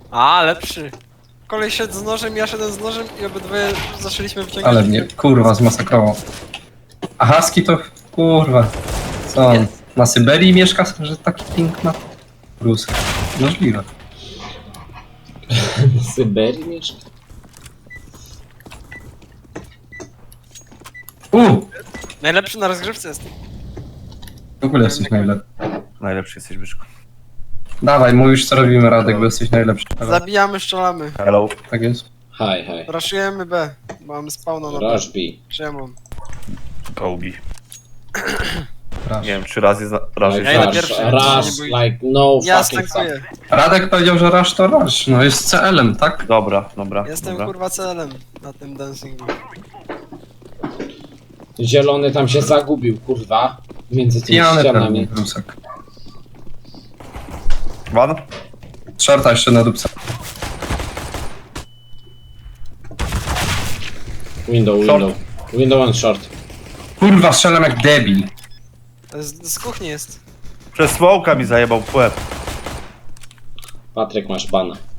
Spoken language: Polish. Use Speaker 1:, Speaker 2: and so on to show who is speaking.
Speaker 1: A, lepszy. Kolej szedł z nożem, ja szedłem z nożem i obydwoje zaczęliśmy wyciągać.
Speaker 2: Ale mnie, kurwa, zmasakrował. A Husky to, kurwa, co on? Na Syberii mieszka, że taki ping ma? Rus. Możliwe.
Speaker 3: W Syberii mieszka?
Speaker 1: Najlepszy na rozgrywce jest.
Speaker 2: W ogóle jesteś najlepszy.
Speaker 4: Najlepszy jesteś, Byszku.
Speaker 2: Dawaj, mówisz co robimy, Radek, bo jesteś najlepszy.
Speaker 1: Zabijamy, strzelamy.
Speaker 4: Hello.
Speaker 2: Tak jest.
Speaker 3: Hi, hi.
Speaker 1: Raszujemy B. Mamy spawna na B.
Speaker 3: Rush B.
Speaker 1: Czemu?
Speaker 4: Kołbi.
Speaker 2: Raz.
Speaker 4: Nie wiem, 3 razy razy
Speaker 1: Ja idę
Speaker 3: Rush,
Speaker 1: pierwszy,
Speaker 3: rush,
Speaker 1: nie
Speaker 3: like no
Speaker 1: Ja
Speaker 3: fucking fuck.
Speaker 1: stankuję.
Speaker 2: Radek powiedział, że rush to rush. No jest CL-em, tak?
Speaker 4: Dobra, dobra.
Speaker 1: Jestem
Speaker 4: dobra.
Speaker 1: kurwa celem na tym dancingu.
Speaker 3: Zielony tam się zagubił, kurwa. Między tymi
Speaker 2: Pijany
Speaker 3: ścianami.
Speaker 2: pewnie, Rusek.
Speaker 4: One?
Speaker 2: Shorta jeszcze na dupce.
Speaker 3: Window. Window and short.
Speaker 2: Kurwa, strzelam jak debil.
Speaker 1: To jest, z kuchni jest.
Speaker 4: Przez smoka mi zajebał w łeb.
Speaker 3: Patryk, masz bana.